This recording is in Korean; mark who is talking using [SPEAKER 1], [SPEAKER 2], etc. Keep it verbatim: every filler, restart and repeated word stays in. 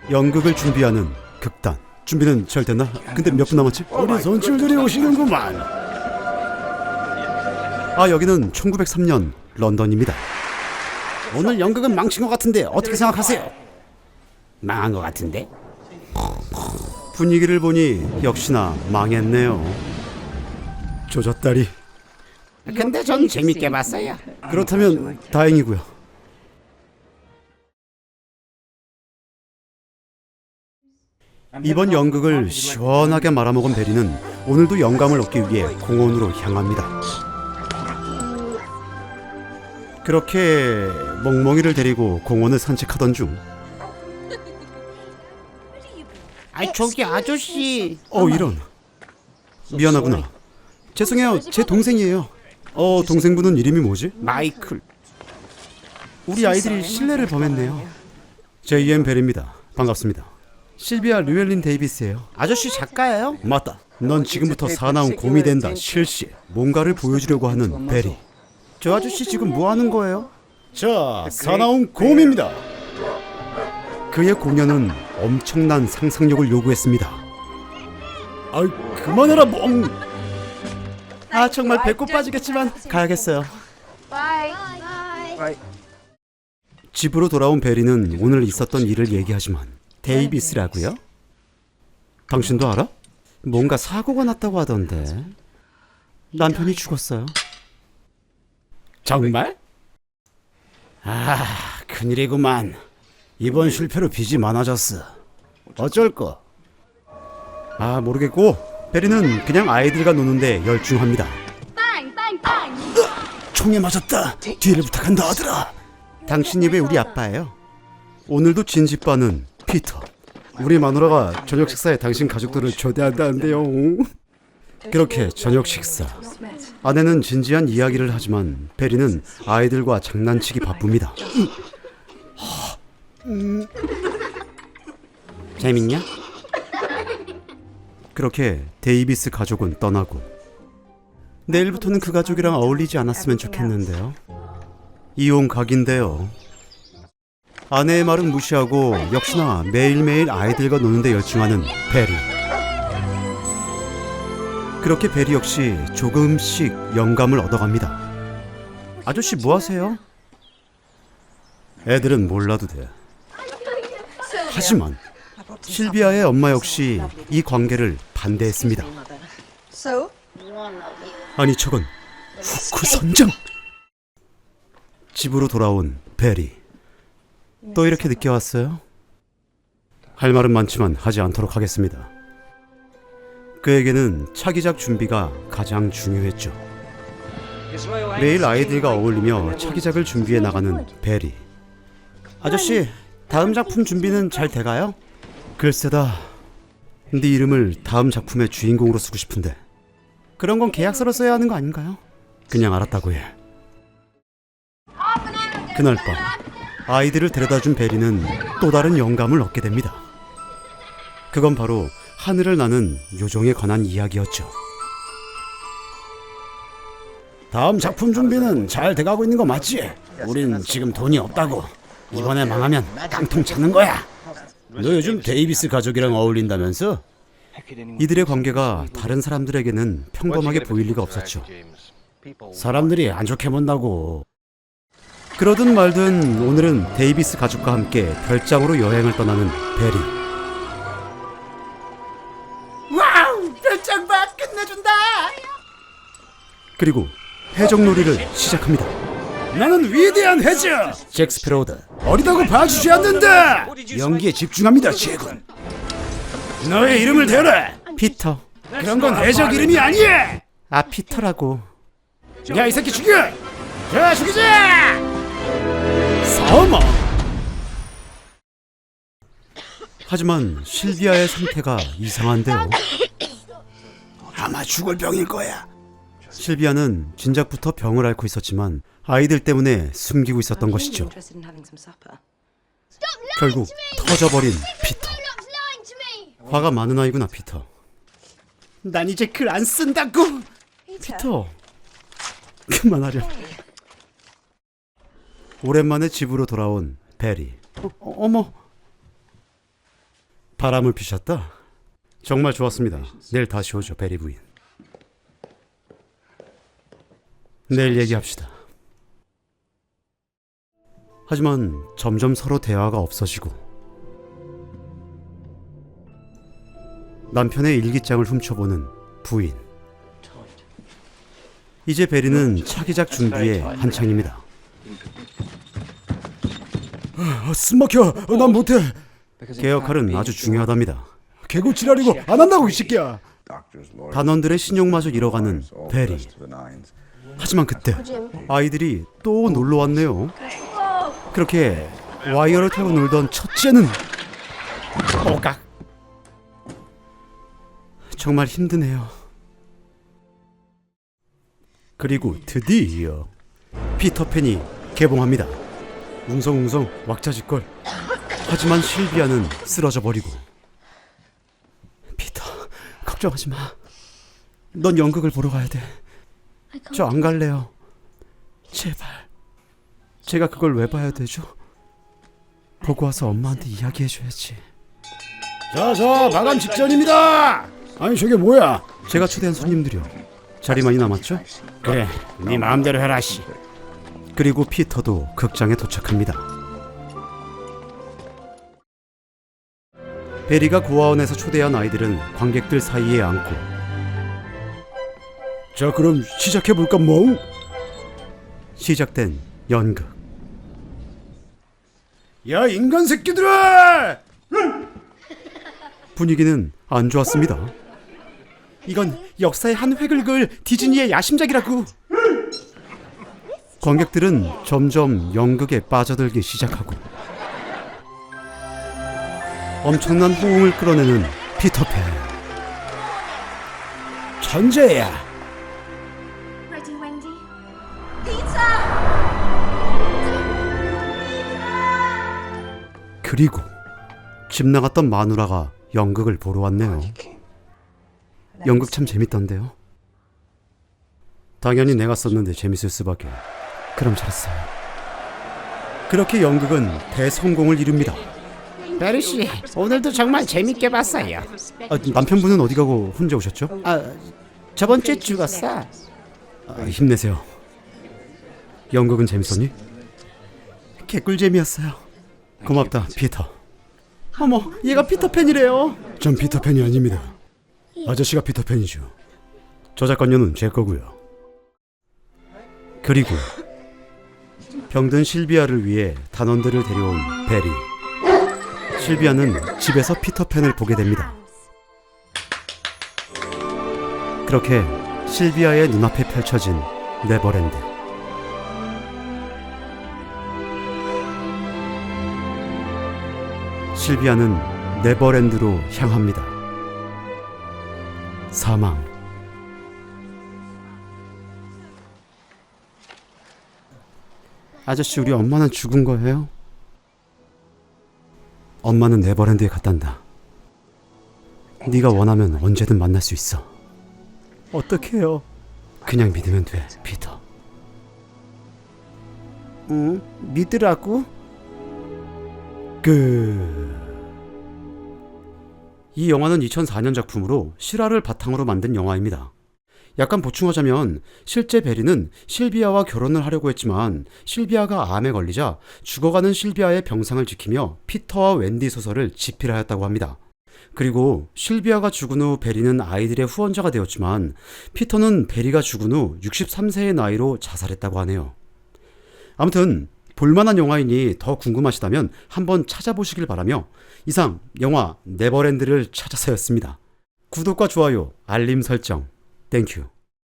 [SPEAKER 1] 연극을 준비하는 극단. 준비는 잘 됐나? 근데 몇 분 남았지?
[SPEAKER 2] 우리 손님들이 오시는구만.
[SPEAKER 1] 아, 여기는 천구백삼 년 런던입니다.
[SPEAKER 2] 오늘 연극은 망친 것 같은데 어떻게 생각하세요? 망한 것 같은데?
[SPEAKER 1] 분위기를 보니 역시나 망했네요. 조졌다리.
[SPEAKER 2] 근데 전 재밌게 봤어요.
[SPEAKER 1] 그렇다면 다행이고요. 이번 연극을 시원하게 말아먹은 베리는 오늘도 영감을 얻기 위해 공원으로 향합니다. 그렇게 멍멍이를 데리고 공원을 산책하던 중,
[SPEAKER 2] 아이 저기 아저씨.
[SPEAKER 1] 어 이런. 미안하구나. 죄송해요. 제 동생이에요. 어 동생분은 이름이 뭐지?
[SPEAKER 2] 마이클.
[SPEAKER 1] 우리 아이들이 실례를 범했네요. 제이엠 벨입니다. 반갑습니다. 실비아 류엘린 데이비스예요.
[SPEAKER 2] 아저씨 작가예요?
[SPEAKER 1] 맞다. 넌 지금부터 사나운 곰이 된다. 실시. 뭔가를 보여주려고 하는 베리.
[SPEAKER 2] 저 아저씨 지금 뭐 하는 거예요?
[SPEAKER 1] 자, 사나운 곰입니다. 그의 공연은 엄청난 상상력을 요구했습니다. 아이, 그만해라 멍. 아, 정말 배꼽 빠지겠지만 가야겠어요. 집으로 돌아온 베리는 오늘 있었던 일을 얘기하지만, 데이비스라고요? 당신도 알아? 뭔가 사고가 났다고 하던데. 남편이 죽었어요.
[SPEAKER 2] 정말? 아, 큰일이구만. 이번 실패로 빚이 많아졌어. 어쩔 거?
[SPEAKER 1] 아, 모르겠고 베리는 그냥 아이들과 노는데 열중합니다.
[SPEAKER 2] 총에 맞았다. 뒤를 부탁한다 아들아.
[SPEAKER 1] 당신이 왜 우리 아빠예요? 오늘도 진지빠는 피터. 우리 마누라가 저녁 식사에 당신 가족들을 초대한다는데요. 그렇게 저녁 식사. 아내는 진지한 이야기를 하지만 베리는 아이들과 장난치기 바쁩니다.
[SPEAKER 2] 재밌냐?
[SPEAKER 1] 그렇게 데이비스 가족은 떠나고, 내일부터는 그 가족이랑 어울리지 않았으면 좋겠는데요. 이혼 각인데요. 아내의 말은 무시하고 역시나 매일매일 아이들과 노는데 열중하는 베리. 그렇게 베리 역시 조금씩 영감을 얻어갑니다. 아저씨 뭐 하세요? 애들은 몰라도 돼. 하지만 실비아의 엄마 역시 이 관계를 반대했습니다. 아니 저건 후크 선장! 집으로 돌아온 베리. 또 이렇게 늦게 왔어요? 할 말은 많지만 하지 않도록 하겠습니다. 그에게는 차기작 준비가 가장 중요했죠. 매일 아이들과 어울리며 차기작을 준비해 나가는 베리. 아저씨, 다음 작품 준비는 잘 돼가요? 글쎄다. 네 이름을 다음 작품의 주인공으로 쓰고 싶은데. 그런 건 계약서로 써야 하는 거 아닌가요? 그냥 알았다고 해. 그날 밤 아이들을 데려다준 베리는 또 다른 영감을 얻게 됩니다. 그건 바로 하늘을 나는 요정에 관한 이야기였죠.
[SPEAKER 2] 다음 작품 준비는 잘 돼가고 있는 거 맞지? 우린 지금 돈이 없다고. 이번에 망하면 깡통 찾는 거야. 너 요즘 데이비스 가족이랑 어울린다면서?
[SPEAKER 1] 이들의 관계가 다른 사람들에게는 평범하게 보일 리가 없었죠.
[SPEAKER 2] 사람들이 안 좋게 본다고.
[SPEAKER 1] 그러든 말든 오늘은 데이비스 가족과 함께 별장으로 여행을 떠나는 베리.
[SPEAKER 2] 와우! 별장 봐! 끝내준다!
[SPEAKER 1] 그리고 해적놀이를 시작합니다.
[SPEAKER 2] 나는 위대한 해적! 잭스피로드. 어리다고 봐주지 않는다! 연기에 집중합니다, 제군. 너의 이름을 대라!
[SPEAKER 1] 피터.
[SPEAKER 2] 그런 건 해적 이름이 아니야!
[SPEAKER 1] 아, 피터라고.
[SPEAKER 2] 야, 이 새끼 죽여! 자, 죽이자! 사마!
[SPEAKER 1] 하지만 실비아의 상태가 이상한데요.
[SPEAKER 2] 아마 죽을 병일 거야.
[SPEAKER 1] 실비아는 진작부터 병을 앓고 있었지만 아이들 때문에 숨기고 있었던 것이죠. 결국 터져버린 피터. 화가 많은 아이구나, 피터.
[SPEAKER 2] 난 이제 글 안 쓴다고!
[SPEAKER 1] 피터, 그만하렴. 오랜만에 집으로 돌아온 베리. 어, 어머, 바람을 피셨다? 정말 좋았습니다. 내일 다시 오죠, 베리 부인. 내일 얘기합시다. 하지만 점점 서로 대화가 없어지고 남편의 일기장을 훔쳐보는 부인. 이제 베리는 차기작 준비에 한창입니다.
[SPEAKER 2] 아, 숨막혀. 어, 난 못해.
[SPEAKER 1] 개 역할은 아주 중요하답니다.
[SPEAKER 2] 개구 지랄이고 안 한다고 이 새끼야.
[SPEAKER 1] 단원들의 신용마저 잃어가는 베리. 하지만 그때 아이들이 또 놀러 왔네요. 그렇게 와이어를 타고 놀던 첫째는 오각. 정말 힘드네요. 그리고 드디어 피터팬이 개봉합니다. 웅성웅성 왁자지껄. 하지만 실비아는 쓰러져 버리고. 피터, 걱정하지 마. 넌 연극을 보러 가야 돼. 저 안 갈래요. 제발. 제가 그걸 왜 봐야 되죠? 보고 와서 엄마한테 이야기해줘야지.
[SPEAKER 2] 자자, 마감 직전입니다. 아니 저게 뭐야?
[SPEAKER 1] 제가 초대한 손님들이요. 자리 많이 남았죠?
[SPEAKER 2] 그래, 네 마음대로 해라 씨.
[SPEAKER 1] 그리고 피터도 극장에 도착합니다. 베리가 고아원에서 초대한 아이들은 관객들 사이에 앉고.
[SPEAKER 2] 자, 그럼 시작해볼까 뭐?
[SPEAKER 1] 시작된 연극.
[SPEAKER 2] 야, 인간 새끼들아!
[SPEAKER 1] 분위기는 안 좋았습니다. 이건 역사의 한 획을 그을 디즈니의 야심작이라고. 관객들은 점점 연극에 빠져들기 시작하고 엄청난 호응을 끌어내는 피터팬.
[SPEAKER 2] 천재야.
[SPEAKER 3] Ready, Wendy? Peter!
[SPEAKER 1] 그리고 집 나갔던 마누라가 연극을 보러 왔네요. 연극 참 재밌던데요. 당연히 내가 썼는데 재밌을 수밖에. 그럼 잘했어요. 그렇게 연극은 대성공을 이룹니다.
[SPEAKER 2] 베리 씨, 오늘도 정말 재밌게 봤어요.
[SPEAKER 1] 아, 남편분은 어디 가고 혼자 오셨죠?
[SPEAKER 2] 아, 저번 주에 죽었어.
[SPEAKER 1] 아, 힘내세요. 연극은 재밌었니? 개꿀잼이었어요. 고맙다, 피터. 어머, 얘가 피터팬이래요.
[SPEAKER 2] 전 피터팬이 아닙니다. 아저씨가 피터팬이죠.
[SPEAKER 1] 저작권료는 제 거고요. 그리고 병든 실비아를 위해 단원들을 데려온 베리. 실비아는 집에서 피터팬을 보게 됩니다. 그렇게 실비아의 눈앞에 펼쳐진 네버랜드. 실비아는 네버랜드로 향합니다. 사망. 아저씨, 우리 엄마는 죽은 거예요? 엄마는 네버랜드에 갔단다. 네가 원하면 언제든 만날 수 있어. 어떡해요? 그냥 믿으면 돼, 피터.
[SPEAKER 2] 응? 믿으라고?
[SPEAKER 1] 끝. 이 영화는 이천사 년 작품으로 실화를 바탕으로 만든 영화입니다. 약간 보충하자면 실제 베리는 실비아와 결혼을 하려고 했지만 실비아가 암에 걸리자 죽어가는 실비아의 병상을 지키며 피터와 웬디 소설을 집필하였다고 합니다. 그리고 실비아가 죽은 후 베리는 아이들의 후원자가 되었지만 피터는 베리가 죽은 후 육십삼 세의 나이로 자살했다고 하네요. 아무튼 볼만한 영화이니 더 궁금하시다면 한번 찾아보시길 바라며 이상 영화 네버랜드를 찾아서였습니다. 구독과 좋아요, 알림 설정 땡큐.